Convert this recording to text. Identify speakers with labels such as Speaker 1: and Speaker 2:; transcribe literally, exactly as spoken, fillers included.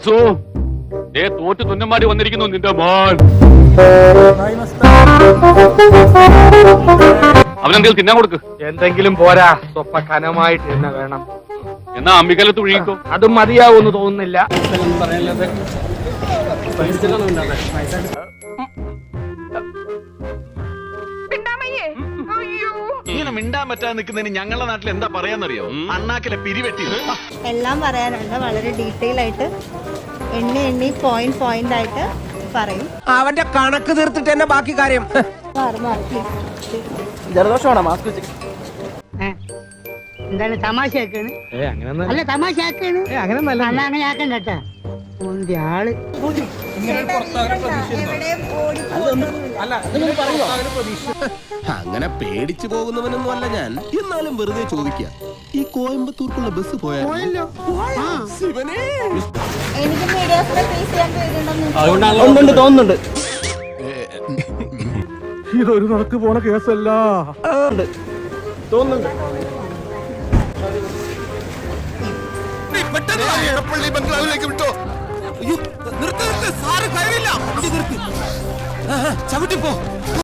Speaker 1: വാസു, ദേ തോറ്റ് തുന്നമാടി വന്നിരിക്കുന്നു നിന്റെ മോൻ. അവനെന്തെങ്കിലും തിന്നാൻ കൊടുക്ക്.
Speaker 2: എന്തെങ്കിലും പോരാ, സ്വപ്പ കനമായിട്ട് തന്നെ വേണം.
Speaker 1: എന്നാ അമ്മിക്കലത്ത് ഒഴുകിക്കോ.
Speaker 2: അതും മതിയാവൂന്ന് തോന്നുന്നില്ല.
Speaker 3: ഇങ്ങനെ മിണ്ടാൻ പറ്റാതെ നിൽക്കുന്നതിന് ഞങ്ങളുടെ നാട്ടിൽ എന്താ പറയാന്നറിയോ? അണ്ണാക്കിലെ പിരിവെട്ടി.
Speaker 4: എല്ലാം പറയാനുണ്ട്, വളരെ ഡീറ്റെയിൽ ആയിട്ട് എണ്ണി എണ്ണി പോയിന്റ് പോയിന്റ് ആയിട്ട് പറയും.
Speaker 5: അവന്റെ കണക്ക് തീർത്തിട്ട് തന്നെ ബാക്കി കാര്യം.
Speaker 6: ജലദോഷമാണോ മാസ്ക് വെച്ച്?
Speaker 7: എന്താണ് തമാശയാക്കാണ്? അല്ല തമാശയാക്കാണ്, അങ്ങനെ ആക്കണ്ട കേട്ടാ. ആള്
Speaker 5: അങ്ങനെ പേടിച്ചു പോകുന്നവനൊന്നും അല്ല ഞാൻ. എന്നാലും വെറുതെ ചോദിക്കുക, ഈ കോയമ്പത്തൂർക്കുള്ള ബസ് പോയാലോ?
Speaker 4: എനിക്ക് മീഡിയാസിനെ ഫേസ് ചെയ്യാൻ പേരുണ്ടെന്ന്
Speaker 6: തോന്നുന്നുണ്ട്.
Speaker 2: ഇതൊരു നടക്ക് പോണ കേസല്ല
Speaker 6: തോന്നുന്നുണ്ട്.
Speaker 5: ബംഗ്ലാവിലേക്ക് വിട്ടോ. ചവിട്ടിപ്പോ